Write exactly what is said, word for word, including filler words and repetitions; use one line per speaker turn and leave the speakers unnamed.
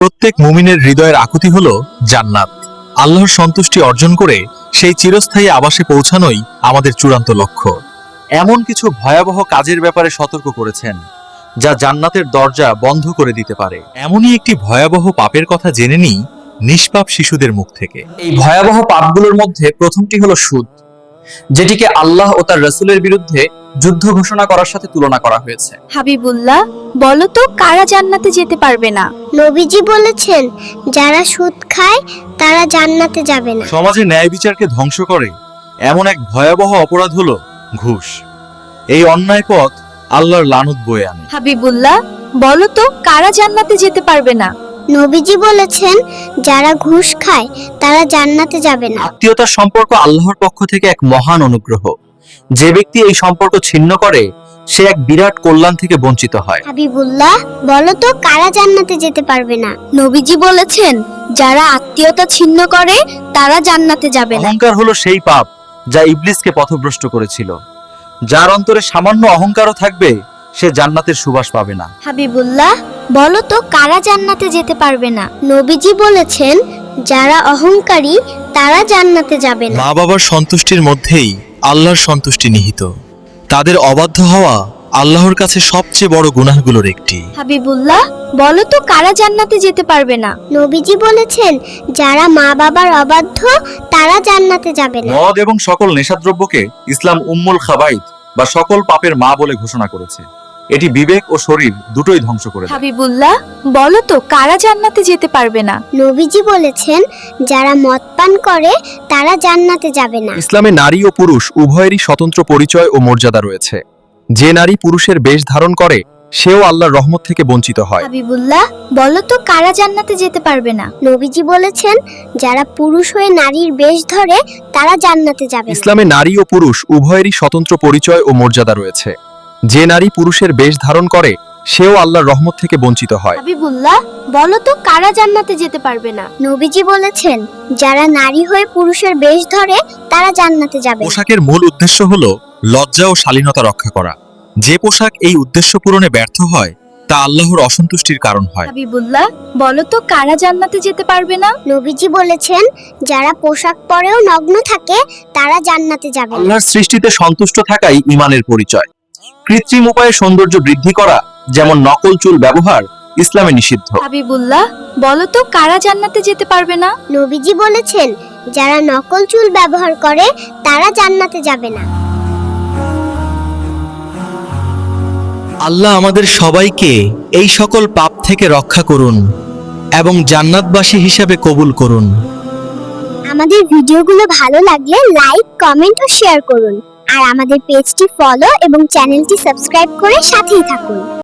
প্রত্যেক মুমিনের হৃদয়ের আকুতি হলো জান্নাত। আল্লাহর সন্তুষ্টি অর্জন করে সেই চিরস্থায়ী আবাসে পৌঁছানোই আমাদের চূড়ান্ত লক্ষ্য। এমন কিছু ভয়াবহ কাজের ব্যাপারে সতর্ক করেছেন যা জান্নাতের দরজা বন্ধ করে দিতে পারে। এমনই একটি ভয়াবহ পাপের কথা জেনে নিই নিষ্পাপ শিশুদের মুখ থেকে।
এই ভয়াবহ পাপগুলোর মধ্যে প্রথমটি হলো সুদ, যেটিকে আল্লাহ ও তার রাসূলের বিরুদ্ধে যুদ্ধ ঘোষণা করার সাথে তুলনা করা হয়েছে।
হাবিবুল্লাহ, বলো তো কারা জান্নাতে যেতে পারবে না?
নবীজি বলেছেন, যারা সুদ খায় তারা জান্নাতে যাবে না।
সমাজে ন্যায় বিচারকে ধ্বংস করে এমন এক ভয়াবহ অপরাধ হলো ঘুষ। এই অন্যায় পথ আল্লাহর লানত বয়ে আনে।
হাবিবুল্লাহ, বলো তো কারা জান্নাতে যেতে পারবে না?
নবীজি বলেছেন, যারা ঘুষ খায় তারা জান্নাতে যাবে না।
আত্মীয়তার সম্পর্ক আল্লাহর পক্ষ থেকে এক মহান অনুগ্রহ। যে ব্যক্তি এই সম্পর্ক ছিন্ন করে সে এক বিরাট কল্যাণ থেকে বঞ্চিত হয়।
হাবিবুল্লাহ, বলো তো কারা জান্নাতে যেতে পারবে না?
নবীজি বলেছেন, যারা আত্মীয়তা ছিন্ন করে তারা জান্নাতে যাবে না।
অহংকার হলো সেই পাপ যা ইবলিসকে পথভ্রষ্ট করেছিল। যার অন্তরে সামান্য অহংকারও থাকবে সে জান্নাতের সুবাস পাবে না।
হাবিবুল্লাহ, বলো তো কারা জান্নাতে যেতে পারবে না?
নবীজি বলেছেন, যারা অহংকারী তারা জান্নাতে যাবে না।
মা বাবার সন্তুষ্টির মধ্যেই আল্লাহর সন্তুষ্টি নিহিত। তাদের অবাধ্য হওয়া আল্লাহর কাছে সবচেয়ে বড় গুনাহগুলোর একটি।
হাবিবুল্লাহ, বলো তো কারা জান্নাতে যেতে পারবে না?
নবীজি বলেছেন, যারা মা বাবার অবাধ্য তারা জান্নাতে যাবে না।
মদ এবং সকল নেশাদ্রব্যকে ইসলাম উম্মুল খাবাইথ বা সকল পাপের মা বলে ঘোষণা করেছে। এটি বিবেক ও শরীর দুটোই ধ্বংস করে দেয়।
হাবিবুল্লাহ, বলো তো কারা জান্নাতে যেতে পারবে না?
নবীজি বলেছেন, যারা মদ পান করে তারা জান্নাতে যাবে না।
ইসলামে নারী ও পুরুষ উভয়েরই স্বতন্ত্র পরিচয় ও মর্যাদা রয়েছে। যে নারী পুরুষের বেশ ধারণ করে সেও আল্লাহর রহমত থেকে বঞ্চিত হয়।
হাবিবুল্লাহ, বলো তো কারা জান্নাতে যেতে পারবে না?
নবীজি বলেছেন, যারা পুরুষ হয়ে নারীর বেশ ধরে তারা জান্নাতে যাবে না।
ইসলামে নারী ও পুরুষ উভয়েরই স্বতন্ত্র পরিচয় ও মর্যাদা রয়েছে। যে নারী পুরুষের বেশ ধারণ করে সেও আল্লাহর রহমত থেকে বঞ্চিত হয়।
হাবিবুল্লাহ, বলো তো কারা জান্নাতে যেতে পারবে না?
নবীজি বলেছেন, যারা নারী হয়ে পুরুষের বেশ ধরে তারা জান্নাতে যাবে না।
পোশাকের মূল উদ্দেশ্য হলো লজ্জা ও শালীনতা রক্ষা করা। যে পোশাক এই উদ্দেশ্য পূরণে ব্যর্থ হয় তা আল্লাহর অসন্তুষ্টির কারণ হয়।
হাবিবুল্লাহ, বলো তো কারা জান্নাতে যেতে পারবে না?
নবীজি বলেছেন, যারা পোশাক পরেও নগ্ন থাকে তারা জান্নাতে যাবে না।
আল্লাহর সৃষ্টিতে সন্তুষ্ট থাকাই ঈমানের পরিচয়। কৃত্রিম উপায়ে সৌন্দর্য বৃদ্ধি করা, যেমন নকল চুল ব্যবহার, ইসলামে নিষিদ্ধ।
হাবিবুল্লাহ, বলো তো কারা জান্নাতে যেতে পারবে না?
নবীজি বলেছেন, যারা নকল চুল ব্যবহার করে তারা জান্নাতে যাবে না।
আল্লাহ আমাদের সবাইকে এই সকল পাপ থেকে রক্ষা করুন এবং জান্নাতবাসী হিসাবে কবুল করুন।
আমাদের ভিডিওগুলো ভালো লাগলে লাইক, কমেন্ট ও শেয়ার করুন। আর আমাদের পেজটি ফলো এবং চ্যানেলটি সাবস্ক্রাইব করে সাথেই থাকুন।